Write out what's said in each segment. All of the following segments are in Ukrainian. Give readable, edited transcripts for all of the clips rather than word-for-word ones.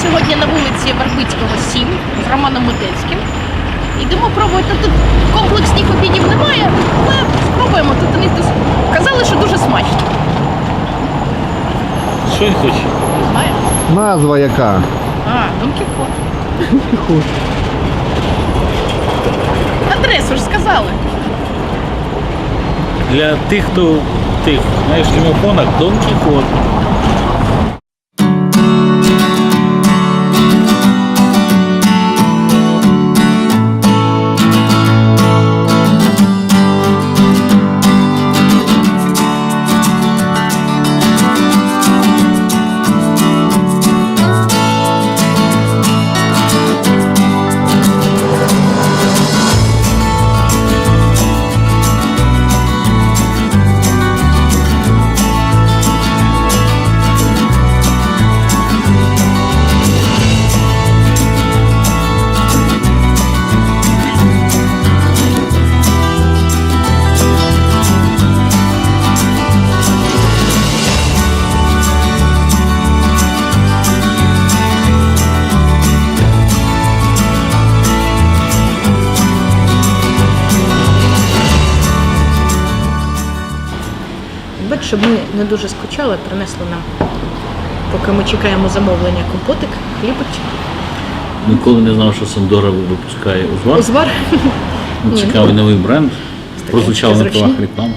сьогодні на вулиці Вербицького, 7 з Романом Мотельським. Йдемо пробувати. Тут комплексних обідів немає, але спробуємо. Тут вони казали, що дуже смачно. Що він хоче? Не знаю. Назва яка? Дон Кіхот. Адресу ж сказали. Для тих, хто знаєш, в телефонах Дон Кіхот. Щоб ми не дуже скучали, принесли нам, поки ми чекаємо замовлення, компотик, хлібочок. Ніколи не знав, що Сандора випускає узвар. Узвар? Цікавий новий бренд. Прозвучав на правах реклами.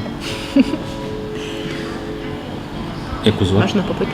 Як узвар? Можна попити.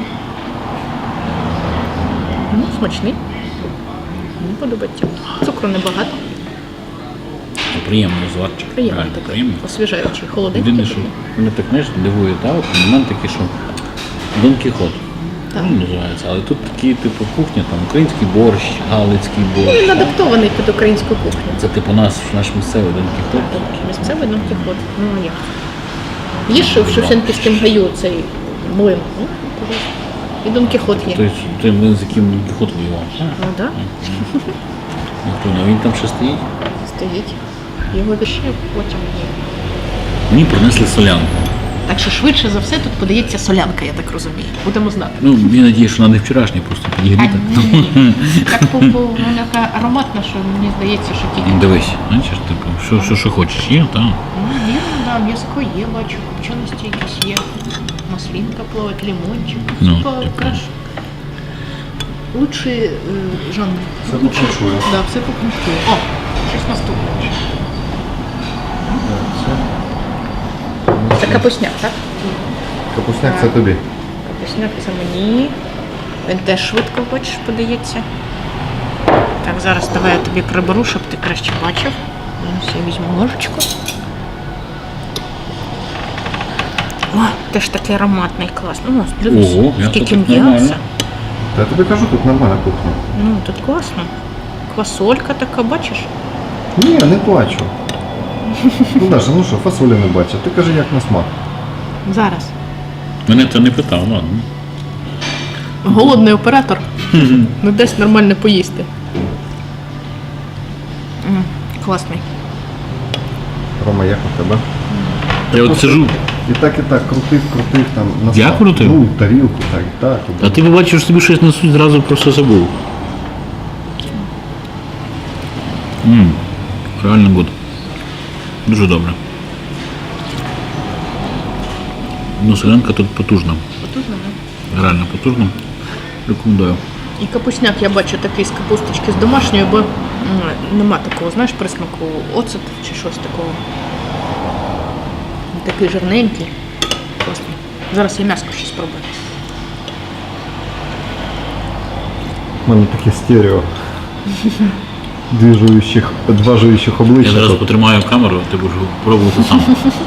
Смачний. Мені подобається. Цукру небагато. Приємний узварчик. Приємний Реально, такий, приємний. освіжаючий, холоденький. Єдине, що мене так, знаєш, дивує, момент такий, що Дон Кіхот. Називається. Але тут такі, типу, кухня, там український борщ, галицький борщ. Він адаптований під українську кухню. Це типу наш місцевий Дон Кіхот. Місцевий Дон Кіхот. Ну як? Їж в Шевченківському гаю цей млин. І Дон Кіхот є. Тобто той млин, з яким Дон Кіхот воював. Ну так. Він там ще стоїть? Стоїть. Його ще потім є. Мені принесли солянку. Так що швидше за все тут подається солянка, я так розумію. Будемо знати. Ну, я надію, що вона не вчорашня, просто підігріта. Так вона така ароматна, що мені здається, що тільки. Дивись, бачиш, типу, що хочеш, є, так? Ну, вірно, да, м'язко є, бачу, копченості якісь є. Маслинка плавать, лимончик. Ну, Типа, каш. Лучший жанр. Все покрушує. Да, все покрушує. О, щось наступне. Це капусняк, так? Капусняк це тобі. Капусняк це мені. Він теж швидко, бачиш, подається. Так, зараз давай я тобі приберу, щоб ти краще бачив. Ось я візьму ложечку. О, теж такий ароматний, класний. О, дивись, Ого, м'ясо скільки тут м'яса. нормально. Та я тобі кажу, тут нормальна кухня. Ну, тут класно. Квасолька така, бачиш? Ні, не плачу. Ну Даша, ну що, фасолі не бачу. Ти кажи, як на смак. Зараз. Мене це не питав, ладно. Голодний оператор не дасть нормально поїсти. Класний. Рома, як у тебе? Я от сижу, І так, крутив там на Я смак. крутив? Ну, тарілку, так. а ти побачив, що тобі щось несуть, зразу просто забув. Реально гуд. Дуже добре. Ну, солянка тут потужна. Потужно, не? Реально потужна. Рекомендую. І капусняк я бачу такий з капусточки з домашньої, бо нема такого, знаєш, присмаку оцет чи щось такого. Такий жирненький. Класний. Зараз я м'яско ще спробую. У мене таке стерео. Два жуючих обличчя. Я зараз тут. потримаю камеру, ти будеш пробувати сам.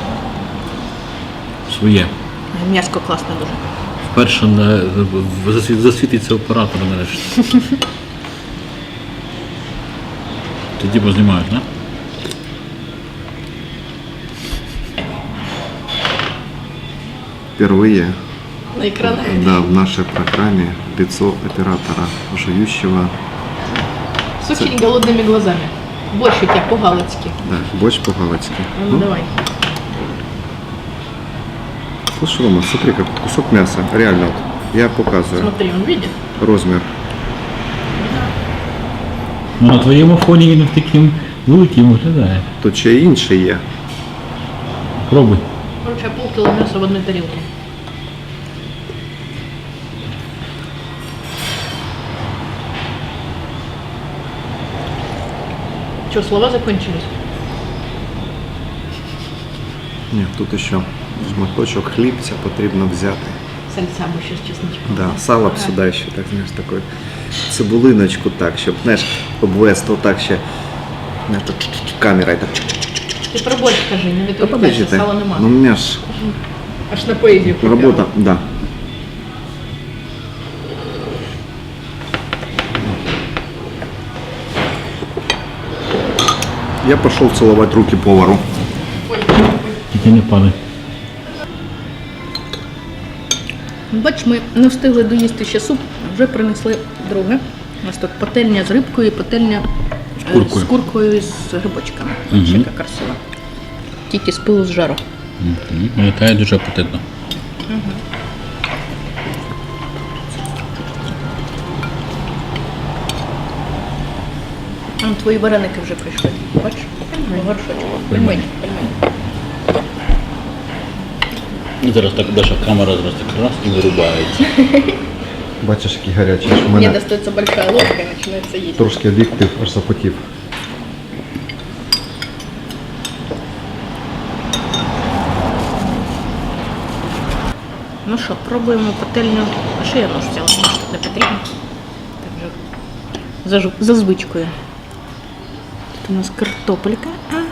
Своє. М'яско класне дуже. Вперше засвітиться оператор нарешті. Тоді познімають, не? Впервые На екранах. да, в нашей программе лицо оператора, жующего. С очень голодными глазами. Борщ у тебя по-галицки. Да, борщ по-галицки. Ну, давай. Слушай, Рома, смотри, как кусок мяса. Реально, вот, я показываю Смотри, он видит? размер. Ну, на твоєму фоні він таким великим виглядає. Тут ще й інше є. Пробуй. Короче, полкіло м'яса в одній тарілці. Что, слова закончились? Ні, тут ще шматочок хлібця потрібно взяти. Сальца бы сейчас чесночком. Да, сало б сюди ще, так, знаєш, такою цибулиночку так, щоб, знаєш, обвести отак ще, знаєш, так, камерою так. Ти про борщ скажи, не Та відволікайся, подожди, сала нема. ну у мене ж Аж на поезію купила. робота, да. Я пошел целовать руки повару. Тільки не падай. Бач, ми не встигли доїсти ще суп, вже принесли друге. У нас тут пательня з рибкою і пательня куркою. з куркою і з грибочками. Мгм. Ще яка красива. Тільки з пилу з жару. Виглядає дуже апетитно. Твої вареники вже прийшли. Бач? Горшочок. Пельмені. І зараз так Даша камера зараз так раз і вирубається. Бачиш, який гарячий. У Мне мене достается большая ложка и начинается есть. трошки об'єктив аж запотів. Ну що, пробуємо пательню. А що я нож взяла? Не потрібно. Так же. За звичкою. Тут у нас картопелька.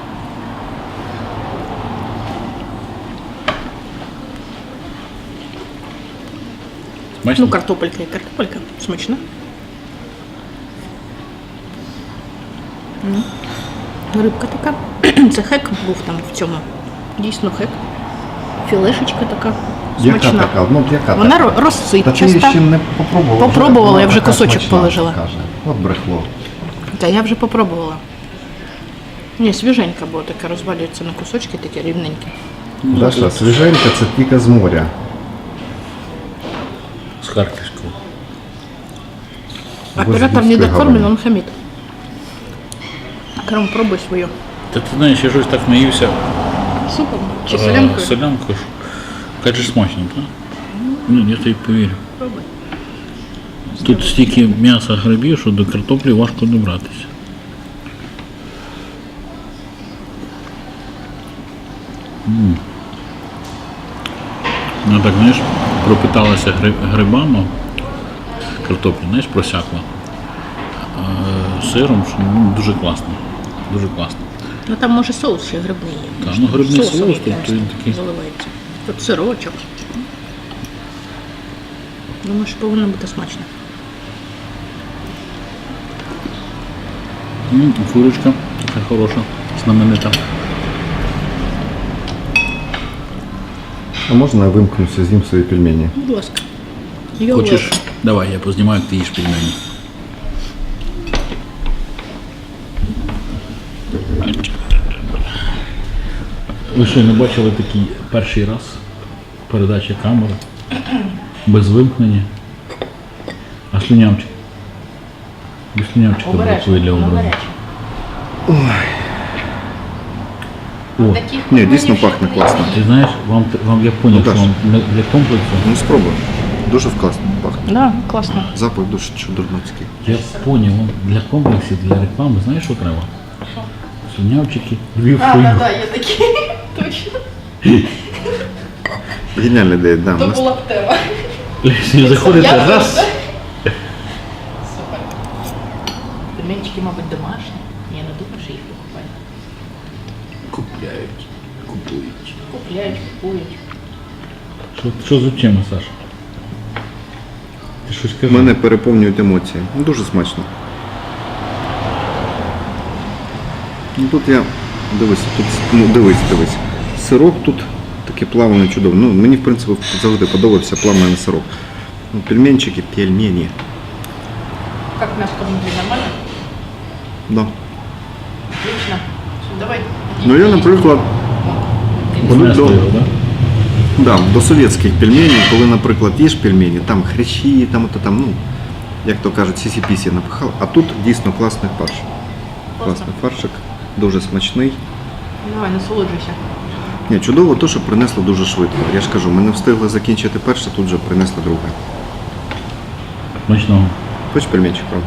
Смачно? Ну, картопелька і картопелька. Смачно. Ну, рибка така. Це хек був там в цьому. Дійсно хек. Філешечка така. Яка Смачна. така? Ну, яка Вона така? Та ти розсипчаста. ще не попробувала. Попробувала, Вона я вже така кусочок смачна, положила. Каже. От брехло. Та я вже попробувала. Ні, свіженька, бо така розвалюється на кусочки, такі рівненькі. Даша, свіженька це тільки з моря. З Харківського. Оператор Львівської недокормлен, гавані. он хамит. Кром, пробуй свою. Та ти знаєш, я щось так наївся Супом чи солянкою? солянкою. Кажеш смачно, так? Ну, я тобі повірю. Пробуй. Тут стільки м'яса грибів, що до картоплі важко добратися. Ну так, знаєш, пропиталася грибами, картопля, знаєш, просякла. Сиром, що ну, дуже класно. Дуже класно. Ну там може соус ще грибний є. Так, ну грибний Соусом соус, якимось тобто він такий. заливається. Тут сирочок. Думаю, що повинно бути смачно. Курочка така хороша, знаменита. А можна я вимкнуся, з'їм свої пельмені? Будь ласка. Хочеш? Давай, я познімаю, як ти їш пельмені. Ви що, не бачили такий перший раз передача камери? Без вимкнення. А слюнявчик? Без слюнявчика бракує для образу. О, Ні, дійсно пахне класно. ти знаєш, вам я поняв, Ну, що вам для комплексу. Ну спробуй. Дуже класно пахне. Да, класно. Запах дуже чудернацький. Я поняв, вам для комплексів, для реклами, знаєш, що треба? Слюнявчики, Львів, шую. є такі. Точно. Геніальна ідея, да. У нас була б тема. Заходите раз. Супер. Пельменчики, мабуть, домашні. Я не думаю, що їх покупають. Купляють, купують. Купують. Що з очима, Саша? Ти щось кажи? мене переповнюють емоції. Ну, дуже смачно. Ну, тут я. Дивись, тут. Ну, дивись. Сирок тут такий плаваний чудовий. Ну, мені, в принципі, завжди подобався плаваний сирок. Ну, пельменчики, пельмені. Как мяско внутри, нормально? Да. Отлично. Давай. Ну, я, наприклад, Вона до, стояла, да? да, до совєтських пельменів, коли, наприклад, їш пельмені, там хрящі, там, ну, як то кажуть, сісі-пісі напихали. А тут дійсно класний фарш. Класний фаршик, дуже смачний. Давай, насолоджуйся. Ні, чудово то, що принесло дуже швидко. Я ж кажу, ми не встигли закінчити перше, тут вже принесли друге. Смачного. Хочеш пельменчик, правда?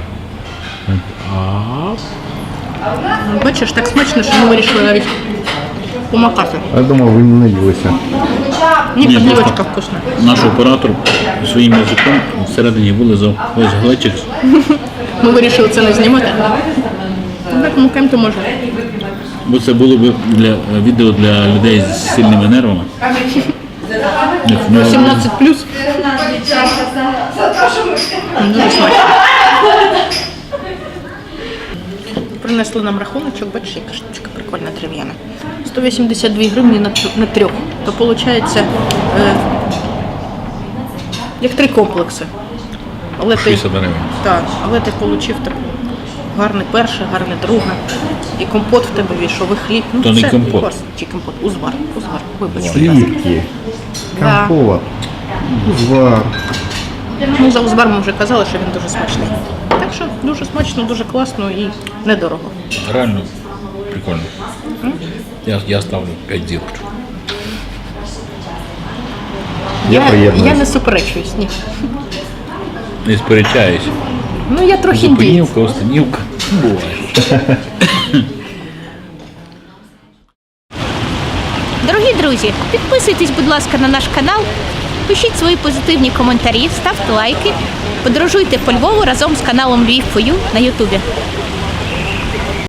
А Бачиш, так смачно, що ми вирішили навіть помакати. Я думав, ви не наїлися. Ні, Ні, подливочка просто- вкусна. наш оператор своїм язиком всередині вилизав весь глечик. Ми вирішили це не знімати. Так, макаємо то може. Бо це було б для відео для людей з сильними нервами. Як в нього- 17 плюс. Дуже смачно. Принесли нам рахуночок, бачиш, яка штучка прикольна дерев'яна. 182 гривні на трьох. То виходить як 3 комплекси. Але ти, 60 гривень. так, але ти отримав так гарне перше, гарне друге. І компот в тебе війшов, і хліб. Ну, То не все, компот. клас. Чи компот? Узвар. Вибач. Слівки, Да. компот, узвар. Ну, за узвар ми вже казали, що він дуже смачний. Так що дуже смачно, дуже класно і недорого. Реально прикольно. Я ставлю 5 зірочок. Я приєднуюсь. Я не суперечуюсь, ні. Не сперечаюсь. Ну я трохи індієць. Зупинівка, останівка. Буває. Дорогі друзі, підписуйтесь, будь ласка, на наш канал, пишіть свої позитивні коментарі, ставте лайки, подорожуйте по Львову разом з каналом Lviv4U на Ютубі.